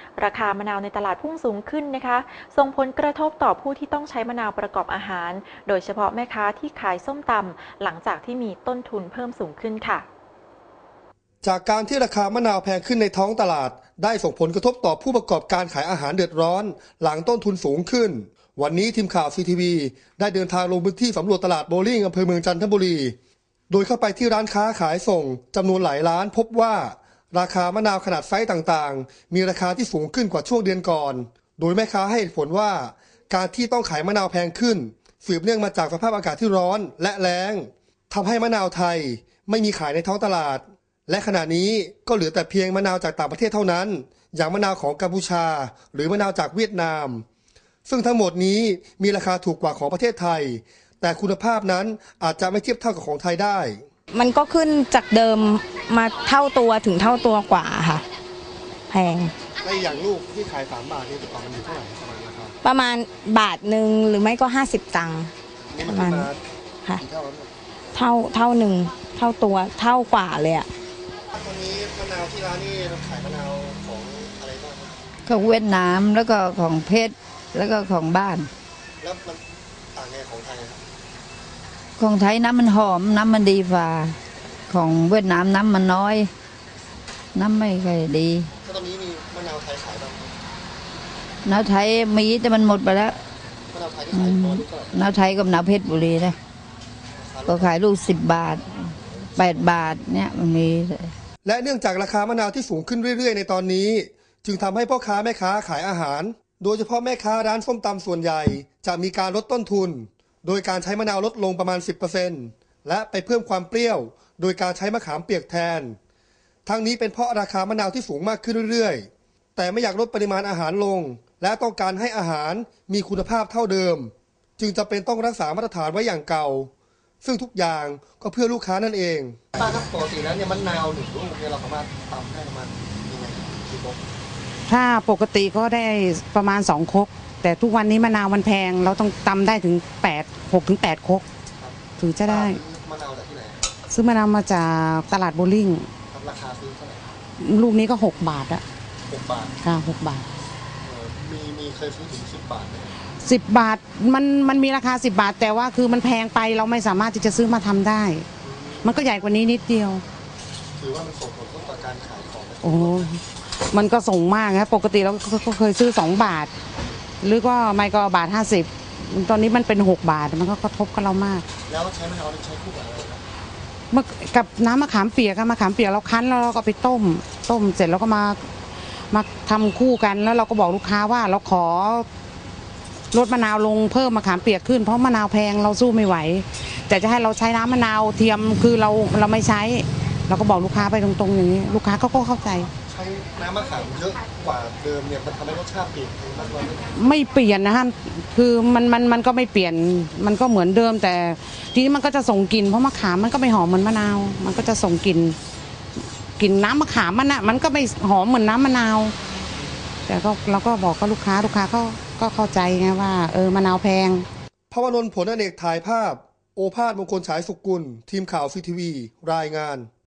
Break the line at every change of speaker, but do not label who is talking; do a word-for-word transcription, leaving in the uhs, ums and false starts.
ราคามะนาวในตลาดพุ่งสูงขึ้นนะคะส่งผลกระทบต่อผู้ที่ต้องใช้มะนาวประกอบอาหารโดยเฉพาะแม่ค้าที่ขายส้มตำหลังจากที่มีต้นทุนเพิ่มสูงขึ้นค่ะ
จากการที่ราคามะนาวแพงขึ้นในท้องตลาดได้ส่งผลกระทบต่อผู้ประกอบการขายอาหารเดือดร้อนหลังต้นทุนสูงขึ้นวันนี้ทีมข่าว ซี ที วี ได้เดินทางลงพื้นที่สำรวจตลาดโบลิ่งอำเภอเมืองจันทบุรีโดยเข้าไปที่ร้านค้าขายส่งจำนวนหลายร้านพบว่าราคามะนาวขนาดไซส์ต่างๆมีราคาที่สูงขึ้นกว่าช่วงเดือนก่อนโดยแม่ค้าให้เหตุผลว่าการที่ต้องขายมะนาวแพงขึ้นสืบเนื่องมาจากสภาพอากาศที่ร้อนและแล้งทำให้มะนาวไทยไม่มีขายในท้องตลาดและขณะนี้ก็เหลือแต่เพียงมะนาวจากต่างประเทศเท่านั้นอย่างมะนาวของกัมพูชาหรือมะนาวจากเวียดนามซึ่งทั้งหมดนี้มีราคาถูกกว่าของประเทศไทยแต่คุณภาพนั้นอาจจะไม่เทียบเท่ากับของไทยได้
มันก็ขึ้นจากเดิมมาเท่าตัวถึงเท่าตัวกว่าค่ะแพง
ในอย่างลูกที่ขายสามบาทนี่ต่อมันอยู่เท่าไหร่ประมาณราคา
ประมาณบาทหนึ่งหรือไม่ก็ห้าสิบตังค์ประมาณค่ะเท่าเท่าหนึ่งเท่าตัวเท่ากว่าเลยอ่ะ
ตอนนี้มะนาวที่ร้านนี่เราขายมะนาวของอะไรบ้าง
ของเวียดนามแล้วก็ของเพชรแล้วก็ของบ้าน
แล้วมันต่างไงของไทย
ของไทยน้ำมันหอมน้ำมันดีฝ่าของเวียดนามน้ำมันน้อยน้ำไม่ค่อยดี
ตอนนี้มีมะนาวไทยขายบ้าง
มะนาวไทยมีแต่มันหมดไปแล้ว
มะนาวไทยที่ขายตัวนี้ก็
มะนาวไทยกับมะนาวเพชรบุรีนะก็ขายลูกสิบบาทแปดบาทเนี่ยมันมี
และเนื่องจากราคามะนาวที่สูงขึ้นเรื่อยๆในตอนนี้จึงทำให้พ่อค้าแม่ค้าขายอาหารโดยเฉพาะแม่ค้าร้านส้มตำส่วนใหญ่จะมีการลดต้นทุนโดยการใช้มะนาวลดลงประมาณ สิบเปอร์เซ็นต์ และไปเพิ่มความเปรี้ยวโดยการใช้มะขามเปียกแทนทั้งนี้เป็นเพราะราคามะนาวที่สูงมากขึ้นเรื่อยๆแต่ไม่อยากลดปริมาณอาหารลงและต้องการให้อาหารมีคุณภาพเท่าเดิมจึงจำเป็นต้องรักษามาตรฐานไว้อย่างเก่าซึ่งทุกอย่างก็เพื่อลูกค้านั่นเองป้าครับปกติแล้วเนี่ยมะนาวหนึ่งลูกเนี่ยเราสามารถตำได้ประมาณยังไงกี่ครก
ถ้าปกติก็ได้ประมาณสองครกแต่ทุกวันนี้มะนาวมันแพงเราต้องตำได้ถึงแปด หกถึงแปดครกถึงจะได้
มะนาวจากที่ไหน
ซื้อมะนาวมาจากตลาดโบลิ่ง
ราคาซื้อเท่าไหร่
ลูกนี้ก็หกบาทอะ
หกบาท
ค่ะหกบาท
มีมีเคยซื้อถึงสิบบาทไหม
สิบบาทมันมันมีราคาสิบบาทแต่ว่าคือมันแพงไปเราไม่สามารถที่จะซื้อมาทำได้มันก็ใหญ่กว่านี้นิดเดียว
ถือว่ามันส่งผลต่อการขายของ
โอ้มันก็ส่งมากนะปกติเราก็เคยซื้อสองบาทหรือก็ไม่ก็บาทห้าสิบตอนนี้มันเป็นหกบาทมันก็กระทบกับเรามาก
แล้วใช้มะนาวใช้คู่กับอะไร
ครับกับน้ำมะขามเปียกมะขามเปียกเราคั้นแล้วเราก็ไปต้มต้มเสร็จแล้วก็มามาทำคู่กันแล้วเราก็บอกลูกค้าว่าเราขอลดมะนาวลงเพิ่มมะขามเปียกขึ้นเพราะมะนาวแพงเราสู้ไม่ไหวแต่จะให้เราใช้น้ำมะนาวเทียมคือเราเราไม่ใช้เราก็บอกลูกค้าไปตรงๆอย่างนี้ลูกค้าเขาก็เข้าใจ
ใช้น้ำมะขามเยอะกว่าเดิมเนี่ยมันทำให้รสชาติเปลี่ยนมากน้อย
ไม่เปลี่ยนนะฮะคือมันมันมันก็ไม่เปลี่ยนมันก็เหมือนเดิมแต่ทีนี้มันก็จะส่งกลิ่นเพราะมะขามมันก็ไม่หอมเหมือนมะนาวมันก็จะส่งกลิ่นกลิ่นน้ำมะขามมันน่ะมันก็ไม่หอมเหมือนน้ำมะนาวแต่ก็เราก็บอกกับลูกค้าลูกค้าก็ก็เข้าใจไงว่าเออมะนาวแพง
ภวนนท์ ผลอเนกถ่ายภาพโอภาสมงคลฉายสุกุลทีมข่าว ซี ที วี รายงาน